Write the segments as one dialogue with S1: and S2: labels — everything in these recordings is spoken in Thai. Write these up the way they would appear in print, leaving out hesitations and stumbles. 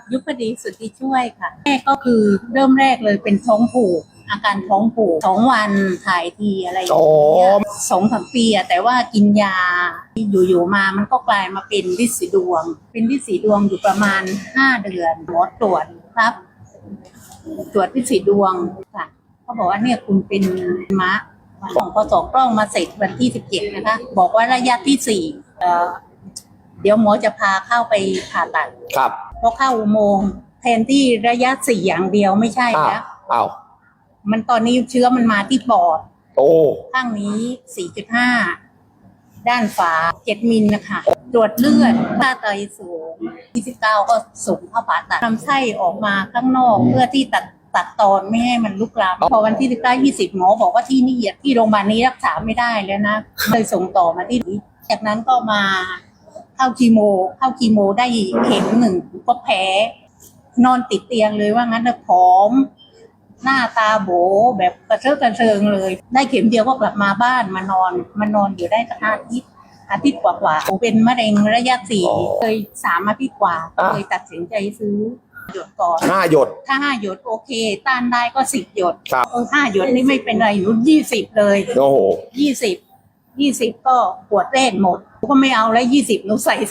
S1: ยุพดีสุทธิช่วยค่ะแม่ก็คือเริ่มแรกเลยเป็นท้องผูกอาการท้องผูก2 วันถ่ายทีอะไรอย่างเงี้ย2-3 ปีอะแต่ว่ากินยาอยู่ๆมามันก็กลายมาเป็นฤทธิ์สีดวงเป็นฤทธิ์สีดวงอยู่ประมาณ5 เดือนหมอตรวจครับตรวจฤทธิ์สีดวงค่ะเขาบอกว่าเนี่ยคุณเป็นมะของพอ2 กล้องมาเสร็จวันที่17นะคะบอกว่าระยะที่4เดี๋ยวหมอจะพาเข้าไปผ่าตัด
S2: ครับ
S1: พอเข้าอุโมงค์แทนที่ระยะ4อย่างเดียวไม่ใช่แล้วมันตอนนี้เชื้อมันมาที่ปอดข้างนี้ 4.5 ด้านฝา7 มิลนะคะตรวจเลือดค่าไตสูง29ก็ส่งเข้าผ่าตัดลำไส้ออกมาข้างนอกเพื่อที่ตัดตอนไม่ให้มันลุกลามพอวันที่19-20หมอบอกว่าที่นี่ที่โรงพยาบาลนี้รักษาไม่ได้แล้วนะเลยส่งต่อมาที่นี้จากนั้นก็มาเข้าคีโมได้เข็ม1ก็แพ้นอนติดเตียงเลยว่างั้นนะผอมหน้าตาโบแบบกระเซาะกระเซิงเลยได้เข็มเดียวก็กลับมาบ้านมานอนอยู่ได้สักอาทิตย์กว่าเป็นมะเร็งระยะ4เคย3 อาทิตย์กว่าเลยตัดสินใจซื้อหยดก่อน
S2: 5 หยด
S1: ถ้า5 หยดโอเคต้านได้ก็10 หยด5 หยดนี่ไม่เป็นไรหนู20เลย
S2: โอ้โห
S1: 20ก็ปวดแรกหมดก็ไม่เอาแล้ว20หนูใส่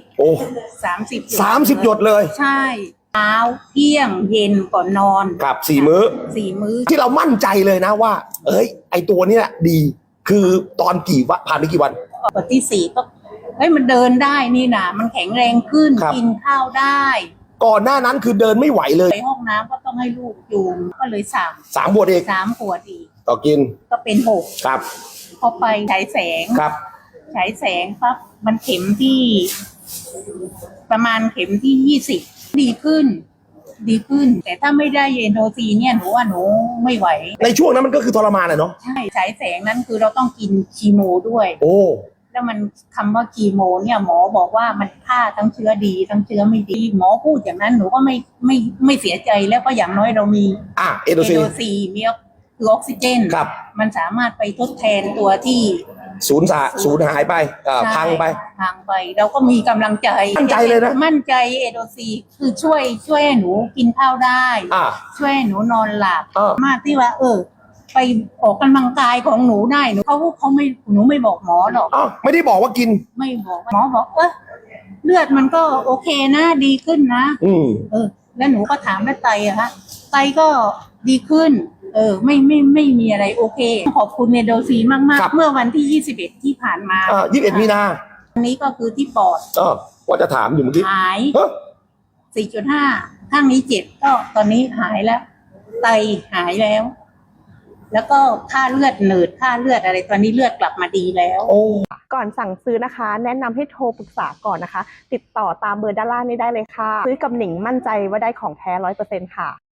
S1: 3030
S2: หยดเลย
S1: ใช่เช้าเที่ยงเย็นก่อนนอน
S2: ครับ4 มื้อที่เรามั่นใจเลยนะว่าไอตัวเนี้ยดีคือตอนผ่านไปกี่วัน
S1: วันที่4ก็มันเดินได้นี่นะมันแข็งแรงขึ้นกินข้าวได้
S2: ก่อนหน้านั้นคือเดินไม่ไหวเลย
S1: ไปห้องน้ำก็ต้องให้ลูกจูงก็เลย
S2: 3 ขวดอีก
S1: 3 ขวดอีก
S2: ต่อกิน
S1: ก็เป็น6
S2: ครับ
S1: พอไปฉายแสง
S2: ครับ
S1: ฉายแสงปั๊บมันเข็มที่ประมาณเข็มที่20ดีขึ้นแต่ถ้าไม่ได้เอนโดซีเนี่ยหนูว่าหนูไม่ไหว
S2: ในช่วงนั้นมันก็คือทรมานเนาะ
S1: ใช่ฉายแสงนั้นคือเราต้องกินคีโมด้วยแล้วมันคำว่าคีโมเนี่ยหมอบอกว่ามันฆ่าทั้งเชื้อดีทั้งเชื้อไม่ดีหมอพูดอย่างนั้นหนูก็ไม่เสียใจแล้วก็อย่างน้อยเรามี
S2: เอนโด
S1: ซีมีคือออกซิเจนมันสามารถไปทดแทนตัวที่
S2: สูญหายไปพัง
S1: ไปเราก็มีกำลังใจ
S2: มั่นใจเลยนะ
S1: มั่นใจเอโดซีคือช่วยให้หนูกินข้าวได้ช่วยให้หนูนอนหลับมากที่ว่าไปออกกำลังกายของหนูได้เขาไม่หนูไม่บอกหมอหรอก
S2: ไม่ได้บอกว่ากิน
S1: ไม่บอกหมอบอกเลือดมันก็โอเคนะดีขึ้นนะแล้วหนูก็ถามแล้วไตอะคะไตก็ดีขึ้นไม่มีอะไรโอเคขอบคุณเนโดซีมากๆเมื่อวันที่21ที่ผ่านมา
S2: 21 มีนา
S1: อันนี้ก็คือที่ปอด
S2: ว่าจะถามอยู่เมื่อกี้
S1: หาย 4.5 ข้างนี้7ก็ตอนนี้หายแล้วไตหายแล้วก็ค่าเลือดเนิดค่าเลือดอะไรตอนนี้เลือดกลับมาดีแล้ว
S3: ก่อนสั่งซื้อนะคะแนะนำให้โทรปรึกษาก่อนนะคะติดต่อตามเบอร์ด้านล่างนี้ได้เลยค่ะซื้อกับหนิงมั่นใจว่าได้ของแท้ 100% ค่ะ